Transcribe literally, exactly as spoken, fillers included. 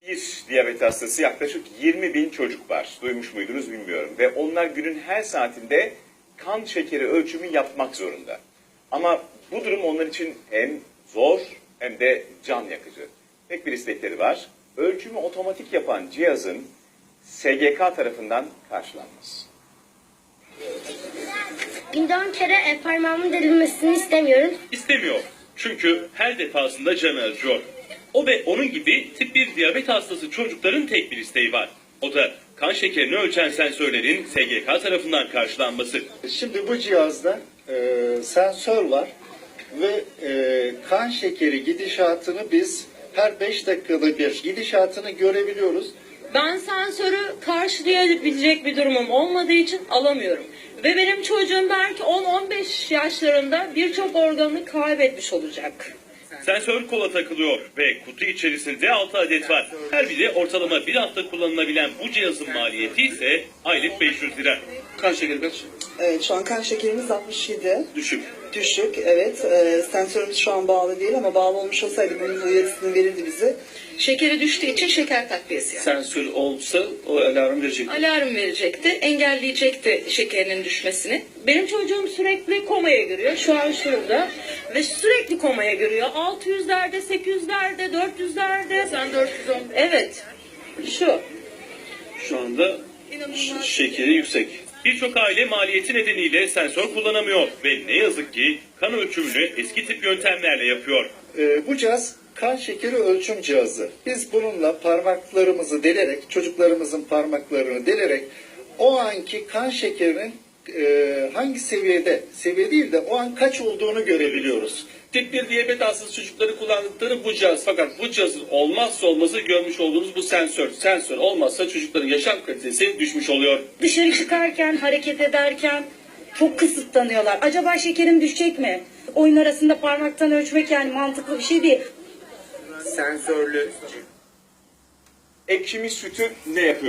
Bir diyabet hastası yaklaşık yirmi bin çocuk var. Duymuş muydunuz bilmiyorum. Ve onlar günün her saatinde kan şekeri ölçümü yapmak zorunda. Ama bu durum onlar için hem zor hem de can yakıcı. Tek bir istekleri var. Ölçümü otomatik yapan cihazın S G K tarafından karşılanması. Günde on kere e, parmağımın delinmesini istemiyorum. İstemiyor. Çünkü her defasında canı acıyor. O ve onun gibi tip bir diyabet hastası çocukların tek bir isteği var. O da kan şekerini ölçen sensörlerin S G K tarafından karşılanması. Şimdi bu cihazda e, sensör var ve e, kan şekeri gidişatını biz her beş dakikada bir gidişatını görebiliyoruz. Ben sensörü karşılayabilecek bir durumum olmadığı için alamıyorum. Ve benim çocuğum belki on on beş yaşlarında birçok organını kaybetmiş olacak. Sensör kola takılıyor ve kutu içerisinde altı adet var. Her biri ortalama bir hafta kullanılabilen bu cihazın maliyeti ise aylık beş yüz lira. Kan şekeri kaç? Evet, şu an kan şekerimiz altmış yedi. Düşük. Düşük, evet. E, sensörümüz şu an bağlı değil ama bağlı olmuş olsaydı bunun uyarısını verirdi bize. Şekeri düştüğü için şeker takviyesi yani. Sensör olsa o alarm verecek. Alarm verecekti, engelleyecekti şekerinin düşmesini. Benim çocuğum sürekli komaya giriyor. Şu an şurada. Ve sürekli komaya giriyor. altı yüzlerde, sekiz yüzlerde, dört yüzlerde. Sen dört yüz on. Evet. Şu. Şu anda İnanılmaz. şekeri yüksek. Birçok aile maliyeti nedeniyle sensör kullanamıyor ve ne yazık ki kan ölçümünü eski tip yöntemlerle yapıyor. E, bu cihaz kan şekeri ölçüm cihazı. Biz bununla parmaklarımızı delerek, çocuklarımızın parmaklarını delerek o anki kan şekerinin e, hangi seviyede, seviye değil de o an kaç olduğunu görebiliyoruz. Tip bir diyabet hastası çocukları kullandıkları bu cihaz. Fakat bu cihazın olmazsa olmazı görmüş olduğunuz bu sensör. Sensör olmazsa çocukların yaşam kalitesi düşmüş oluyor. Dışarı çıkarken, hareket ederken çok kısıtlanıyorlar. Acaba şekerim düşecek mi? Oyun arasında parmaktan ölçmek yani mantıklı bir şey değil. Ekşimiz sütü ne yapıyor?